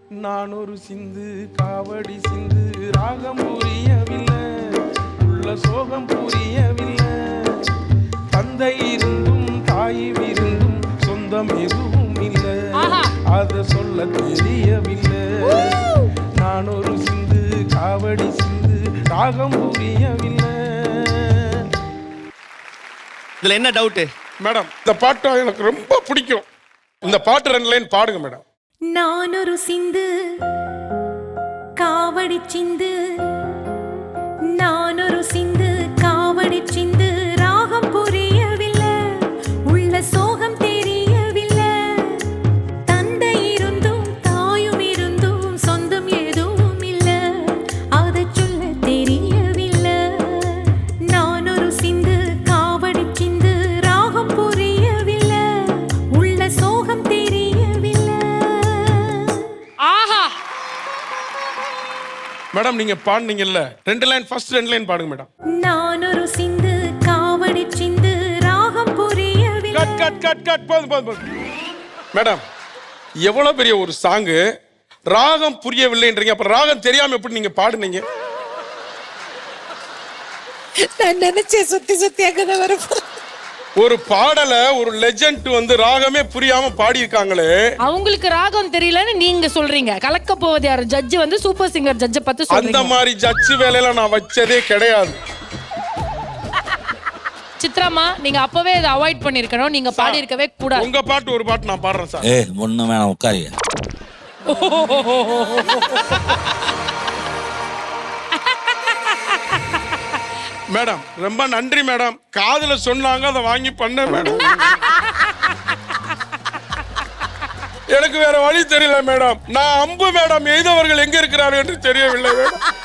நான் ஒரு சிந்து காவடி சிந்து ராகம் புரியவில்லை, உள்ள சோகம் புரியவில்லை. தந்தை இருந்தும் தாயும் இருந்தும் சொந்தம் எதுவும் இல்லை, அத சொல்ல தெரியவில்லை. நான் ஒரு சிந்து காவடி சிந்து ராகம் புரியவில்லை. இதுல என்ன டவுட் மேடம்? இந்த பாட்டு எனக்கு ரொம்ப பிடிக்கும். இந்த பாட்டு 2 லைன் பாடுங்க மேடம். நான் ஒரு சிந்து காவடி சிந்து, நான் ஒரு சிந்து காவடி சிந்து ராகம் புரியவில்லை, உள்ள சோகம் தெரியவில்லை. தந்தை இருந்தும் தாயும் இருந்தும் சொந்தம் எதுவும் இல்லை, அதை சொல்ல தெரியவில்லை. நான் ஒரு சிந்து காவடி சிந்து ராகம் புரியவில்லை, உள்ள சோகம் தெரியவில்லை. மேடம் நீங்க பாடுனீங்கல்ல 2 லைன், ஃபர்ஸ்ட் 2 லைன் பாடுங்க மேடம். நான் ஒரு சிந்து காவடி சிந்து ராகம் புரியவில்லை. கட் கட் கட் கட் போதும். மேடம் எவ்வளவு பெரிய ஒரு சாங், ராகம் புரியவில்லைன்றீங்க, அப்ப ராகம் தெரியாம எப்படி நீங்க பாடுனீங்க? நான் நினைச்சேன் சுத்தி அங்கதான் வரப்போ. ஒரு பாடல ஒரு லெஜெண்ட் வந்து ராகமே புரியாம பாடி இருக்காங்களே. அவங்களுக்கு ராகம் தெரியலன்னு நீங்க சொல்றீங்க. கலக்க போவது யாரு? ஜட்ஜ் வந்து சூப்பர் சிங்கர் ஜட்ஜ் பத்தி சொல்றீங்க. அந்த மாதிரி ஜட்ஜ் வேலையில நான் வச்சதே கிடையாது. சித்ராமா நீங்க அப்பவே இதை அவாய்ட் பண்ணிருக்கணும், நீங்க பாடி இருக்கவே கூடாது. உங்க பாட்டு ஒரு பாட்டு நான் பாடுறேன் சார். ஒண்ணு வேணாம், உட்காரியா. மேடம் ரொம்ப நன்றி மேடம், காதுல சொன்னாங்க அதை வாங்கி பண்ண மேடம். எனக்கு வேற வழி தெரியல மேடம். நான் அம்பு மேடம் எய்தவர்கள் எங்க இருக்கிறார்கள் என்று தெரியவில்லை மேடம்.